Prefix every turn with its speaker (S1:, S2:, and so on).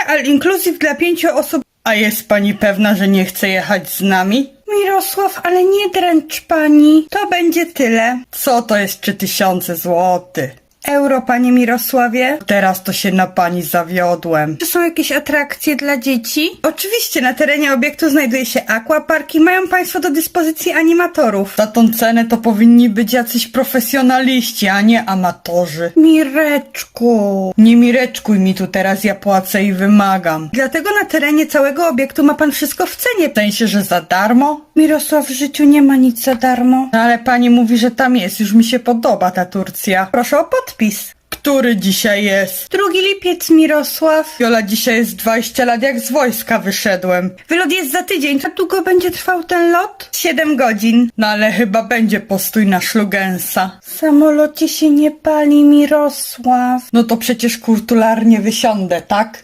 S1: all inclusive dla 5 osób. A jest pani pewna, że nie chce jechać z nami? Mirosław, ale nie dręcz pani. To będzie tyle. Co to jest 3000 złotych? Euro, panie Mirosławie? Teraz to się na pani zawiodłem. Czy są jakieś atrakcje dla dzieci? Oczywiście, na terenie obiektu znajduje się aquapark i mają państwo do dyspozycji animatorów. Za tą cenę to powinni być jacyś profesjonaliści, a nie amatorzy. Mireczku. Nie mireczkuj mi tu teraz, ja płacę i wymagam. Dlatego na terenie całego obiektu ma pan wszystko w cenie. W sensie, że za darmo? Mirosław, w życiu nie ma nic za darmo. No ale pani mówi, że tam jest. Już mi się podoba ta Turcja. Proszę o podpis. Który dzisiaj jest? 2 lipiec, Mirosław. Jola, dzisiaj jest 20 lat, jak z wojska wyszedłem. Wylot jest za tydzień. Jak długo będzie trwał ten lot? 7 godzin. No ale chyba będzie postój na Szlugensa. W samolocie się nie pali, Mirosław. No to przecież kulturalnie wysiądę, tak?